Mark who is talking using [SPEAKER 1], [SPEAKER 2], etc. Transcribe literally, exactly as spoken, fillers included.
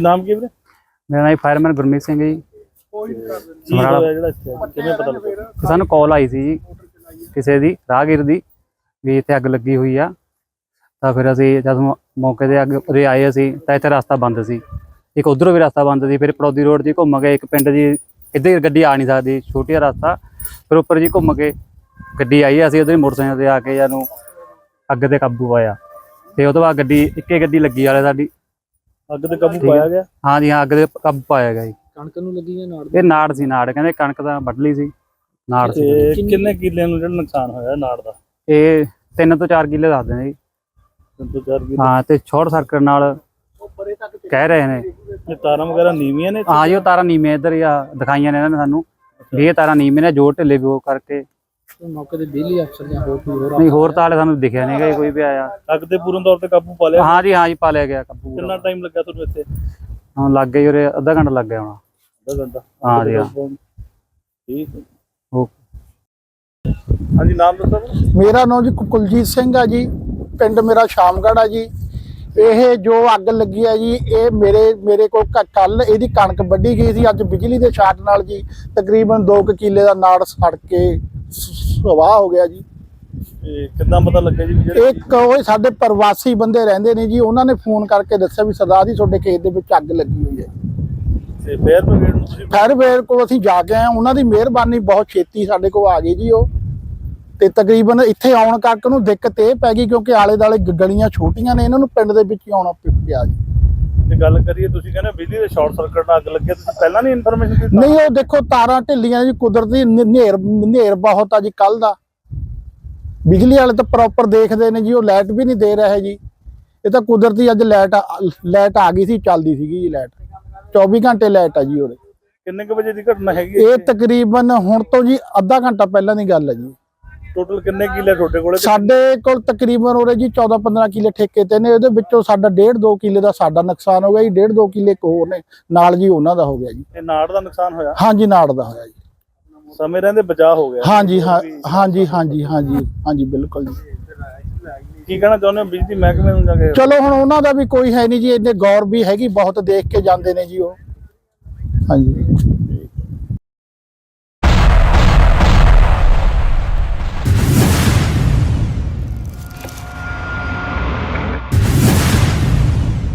[SPEAKER 1] ਨਾਮ ਕੀ ਵੀਰੇ?
[SPEAKER 2] ਮੇਰਾ ਨਾਮ ਫਾਇਰਮੈਨ ਗੁਰਮੀਤ ਸਿੰਘ ਜੀ। ਸਾਨੂੰ ਕਾਲ ਆਈ ਸੀ ਜੀ ਕਿਸੇ ਦੀ ਰਾਹਗੀਰ ਦੀ ਵੀ ਇੱਥੇ ਅੱਗ ਲੱਗੀ ਹੋਈ ਆ। ਤਾਂ ਫਿਰ ਅਸੀਂ ਜਦੋਂ ਮੌਕੇ ਤੇ ਅੱਗ ਉਰੇ ਆਏ ਅਸੀਂ ਤਾਂ ਇੱਥੇ ਰਸਤਾ ਬੰਦ ਸੀ, ਇੱਕ ਉੱਧਰੋਂ ਵੀ ਰਸਤਾ ਬੰਦ ਸੀ। ਫਿਰ ਪੜੌਦੀ ਰੋਡ 'ਚ ਘੁੰਮ ਗਏ, ਇੱਕ ਪਿੰਡ ਜੀ ਇੱਧਰ ਗੱਡੀ ਆ ਨਹੀਂ ਸਕਦੀ, ਛੋਟੀ ਜਿਹਾ ਰਸਤਾ। ਫਿਰ ਉੱਪਰ ਜੀ ਘੁੰਮ ਕੇ ਗੱਡੀ ਆਈ, ਅਸੀਂ ਉੱਧਰ ਮੋਟਰਸਾਈਕਲ 'ਤੇ ਆ ਕੇ ਜਾਨੂੰ ਅੱਗ 'ਤੇ ਕਾਬੂ ਪਾਇਆ। ਤੇ ਉਹ ਤੋਂ ਬਾਅਦ ਗੱਡੀ ਇੱਕੇ ਗੱਡੀ ਲੱਗੀ ਵਾਲੇ ਸਾਡੀ
[SPEAKER 1] ਅੱਗ ਤੇ ਕਾਬੂ ਪਾਇਆ ਗਿਆ।
[SPEAKER 2] ਹਾਂ ਜੀ ਹਾਂ, ਅੱਗ 'ਤੇ ਕਾਬੂ ਪਾਇਆ ਗਿਆ ਜੀ।
[SPEAKER 1] ਕਣਕ ਨੂੰ ਲੱਗੀ ਹੈ ਨਾੜ?
[SPEAKER 2] ਇਹ ਨਾੜ ਸੀ, ਨਾੜ ਕਹਿੰਦੇ ਕਣਕ ਤਾਂ ਵੱਢ ਲਈ ਸੀ, ਨਾੜ ਸੀ।
[SPEAKER 1] ਕਿੰਨੇ ਕਿੱਲੇ ਨੂੰ ਜਿਹੜਾ ਨੁਕਸਾਨ ਹੋਇਆ ਨਾੜ ਦਾ?
[SPEAKER 2] ਇਹ ਤਿੰਨ ਤੋਂ ਚਾਰ ਕਿੱਲੇ ਦੱਸਦੇ ਨੇ ਜੀ।
[SPEAKER 1] ਤਿੰਨ ਤੋਂ ਚਾਰ ਕਿੱਲੇ।
[SPEAKER 2] ਹਾਂ, ਤੇ ਸ਼ਾਰਟ ਸਰਕਟ ਨਾਲ ਕਹਿ ਰਹੇ ਨੇ।
[SPEAKER 1] ਇਹ ਤਾਰਾਂ ਵਗੈਰਾ ਨੀਵੀਆਂ ਨੇ?
[SPEAKER 2] ਹਾਂ ਜੀ, ਉਹ ਤਾਰਾਂ ਨੀਵੀਆਂ ਇੱਧਰ ਹੀ ਆ ਦਿਖਾਈਆਂ ਨੇ ਇਹਨਾਂ ਨੇ ਸਾਨੂੰ ਵੀ ਇਹ ਤਾਰਾਂ ਨੀਵੀਆਂ ਨੇ, ਜੋੜ ਢਿੱਲੇ ਵੀ ਉਹ ਕਰਕੇ।
[SPEAKER 1] ਮੌਕੇ ਤੇ ਬਿਜਲੀ ਅਫਸਰ ਜਾਂ ਹੋਰ ਕੋਈ ਹੋਰ?
[SPEAKER 2] ਨਹੀਂ, ਹੋਰ ਤਾਂ ਹਾਲੇ ਸਾਨੂੰ ਦਿਖਿਆ ਨਹੀਂ ਗਾ ਕੋਈ ਵੀ ਆਇਆ।
[SPEAKER 1] ਅੱਗ ਤੇ ਪੂਰਨ ਤੌਰ ਤੇ ਕਾਬੂ ਪਾ ਲਿਆ?
[SPEAKER 2] ਹਾਂ ਜੀ ਹਾਂ ਜੀ, ਪਾ ਲਿਆ ਗਿਆ ਕਾਬੂ।
[SPEAKER 1] ਕਿੰਨਾ ਟਾਈਮ ਲੱਗਾ ਤੁਹਾਨੂੰ ਇੱਥੇ?
[SPEAKER 2] ਹਾਂ, ਲੱਗ ਗਈ ਉਰੇ ਅੱਧਾ ਘੰਟਾ ਲੱਗ ਗਿਆ ਹੋਣਾ।
[SPEAKER 1] ਅੱਧਾ ਘੰਟਾ?
[SPEAKER 2] ਹਾਂ ਜੀ ਹਾਂ।
[SPEAKER 1] ਠੀਕ।
[SPEAKER 2] ਓਕੇ।
[SPEAKER 1] ਹਾਂਜੀ, ਨਾਮ ਦੱਸੋ?
[SPEAKER 3] ਮੇਰਾ ਨਾਮ ਜੀ ਕੁਲਜੀਤ ਸਿੰਘ ਆ ਜੀ, ਪਿੰਡ ਮੇਰਾ ਸ਼ਾਮਗੜ੍ਹ ਆ ਜੀ। ਇਹ ਜੋ ਅੱਗ ਲੱਗੀ ਹੈ ਜੀ, ਇਹ ਮੇਰੇ ਮੇਰੇ ਕੋਲ ਕੱਲ ਇਹਦੀ ਕਣਕ ਵੱਢੀ ਗਈ ਸੀ। ਅੱਜ ਬਿਜਲੀ ਦੇ ਸ਼ਾਟ ਨਾਲ ਜੀ ਤਕਰੀਬਨ ਦੋ ਕੁ ਕਿੱਲੇ ਦਾ ਨਾੜ ਸੜ ਕੇ ਸਵਾਹ ਹੋ ਗਿਆ ਜੀ।
[SPEAKER 1] ਇਹ ਕਿੱਦਾਂ ਪਤਾ ਲੱਗਿਆ ਜੀ?
[SPEAKER 3] ਇੱਕ ਉਹ ਸਾਡੇ ਪ੍ਰਵਾਸੀ ਬੰਦੇ ਰਹਿੰਦੇ ਨੇ ਜੀ, ਉਹਨਾਂ ਨੇ ਫੋਨ ਕਰਕੇ ਦੱਸਿਆ ਵੀ ਸਰਦਾਰ ਜੀ ਤੁਹਾਡੇ ਖੇਤ ਦੇ ਵਿੱਚ ਅੱਗ ਲੱਗੀ ਹੋਈ ਹੈ।
[SPEAKER 1] ਤੇ ਫਾਇਰ ਬ੍ਰਿਗੇਡ ਨੂੰ ਤੁਸੀਂ?
[SPEAKER 3] ਫਾਇਰ ਬ੍ਰਿਗੇਡ ਕੋਲ ਅਸੀਂ ਜਾ ਕੇ ਆਏ, ਉਹਨਾਂ ਦੀ ਮਿਹਰਬਾਨੀ ਬਹੁਤ ਛੇਤੀ ਸਾਡੇ ਕੋਲ ਆ ਗਈ ਜੀ ਉਹ। ਤੇ ਤਕਰੀਬਨ ਇੱਥੇ ਆਉਣ ਕਰਕੇ ਨੂੰ ਦਿੱਕਤ ਇਹ ਪੈ ਗਈ ਕਿਉਂਕਿ ਆਲੇ ਦੁਆਲੇ ਗਲੀਆਂ ਛੋਟੀਆਂ ਨੇ, ਇਹਨਾਂ ਨੂੰ ਪਿੰਡ ਦੇ ਵਿੱਚ ਹੀ ਆਉਣਾ ਪਿਆ ਜੀ।
[SPEAKER 1] ਤੇ ਗੱਲ ਕਰੀਏ, ਤੁਸੀਂ ਕਹਿੰਦੇ ਬਿਜਲੀ ਦੇ ਸ਼ਾਰਟ ਸਰਕਟ ਨਾਲ ਅੱਗ ਲੱਗੀ, ਤੁਸੀਂ ਪਹਿਲਾਂ ਨਹੀਂ ਇਨਫੋਰਮੇਸ਼ਨ ਦਿੱਤੀ?
[SPEAKER 3] ਨਹੀਂ, ਉਹ ਦੇਖੋ ਤਾਰਾਂ ਢਿੱਲੀਆਂ ਜੀ, ਕੁਦਰਤੀ ਹਨੇਰ ਹਨੇਰ ਬਹੁਤ ਆ ਜੀ ਕੱਲ ਦਾ। ਬਿਜਲੀ ਵਾਲੇ ਤਾਂ ਪ੍ਰੋਪਰ ਦੇਖਦੇ ਨੇ ਜੀ, ਉਹ ਲਾਈਟ ਵੀ ਨਹੀਂ ਦੇ ਰਹੇ ਜੀ। ਇਹ ਤਾਂ ਕੁਦਰਤੀ ਅੱਜ ਲਾਈਟ ਲਾਈਟ ਆ ਗਈ ਸੀ, ਚੱਲਦੀ ਸੀਗੀ ਜੀ ਲਾਈਟ, ਚੌਵੀ ਘੰਟੇ ਲਾਈਟ ਆ ਜੀ ਉਰੇ।
[SPEAKER 1] ਕਿੰਨੇ ਕੁ ਵਜੇ ਦੀ ਘਟਨਾ ਹੈਗੀ?
[SPEAKER 3] ਇਹ ਤਕਰੀਬਨ ਹੁਣ ਤੋਂ ਜੀ ਅੱਧਾ ਘੰਟਾ ਪਹਿਲਾਂ ਦੀ ਗੱਲ ਹੈ ਜੀ।
[SPEAKER 1] ਟੋਟਲ ਕਿੰਨੇ ਕਿੱਲੇ ਤੁਹਾਡੇ ਕੋਲੇ?
[SPEAKER 3] ਸਾਡੇ ਕੋਲ ਤਕਰੀਬਨ ਉਰੇ ਜੀ ਚੌਦਾਂ ਪੰਦਰਾਂ ਕਿੱਲੇ ਠੇਕੇ ਤੇ ਨੇ, ਇਹਦੇ ਵਿੱਚੋਂ ਸਾਡਾ ਡੇਢ ਦੋ ਕਿੱਲੇ ਦਾ ਸਾਡਾ ਨੁਕਸਾਨ ਹੋ ਗਿਆ ਜੀ, ਡੇਢ ਦੋ ਕਿੱਲੇ ਹੋਰ ਨੇ ਨਾਲ ਜੀ ਉਹਨਾਂ ਦਾ ਹੋ ਗਿਆ ਜੀ।
[SPEAKER 1] ਇਹ ਨਾੜ ਦਾ ਨੁਕਸਾਨ ਹੋਇਆ?
[SPEAKER 3] ਹਾਂਜੀ, ਨਾੜ ਦਾ ਹੋਇਆ ਜੀ।
[SPEAKER 1] ਸਮੇਂ ਰਹਿੰਦੇ ਬਚਾਅ ਹੋ ਗਿਆ?
[SPEAKER 3] ਹਾਂਜੀ ਹਾਂ ਹਾਂਜੀ ਹਾਂਜੀ ਹਾਂਜੀ ਹਾਂਜੀ ਬਿਲਕੁਲ ਜੀ।
[SPEAKER 1] ਕੀ ਕਹਿਣਾ ਚਾਹੁੰਦੇ ਹੋ ਬਿਜਲੀ ਮਹਿਕਮੇ ਨੂੰ ਜਾ ਕੇ?
[SPEAKER 3] ਚਲੋ ਹੁਣ ਉਹਨਾਂ ਦਾ ਵੀ ਕੋਈ ਹੈ ਨਹੀਂ ਜੀ, ਇਹਨੇ ਗੌਰ ਵੀ ਹੈਗੀ ਬਹੁਤ, ਦੇਖ ਕੇ ਜਾਂਦੇ ਨੇ ਜੀ ਉਹ। ਹਾਂਜੀ।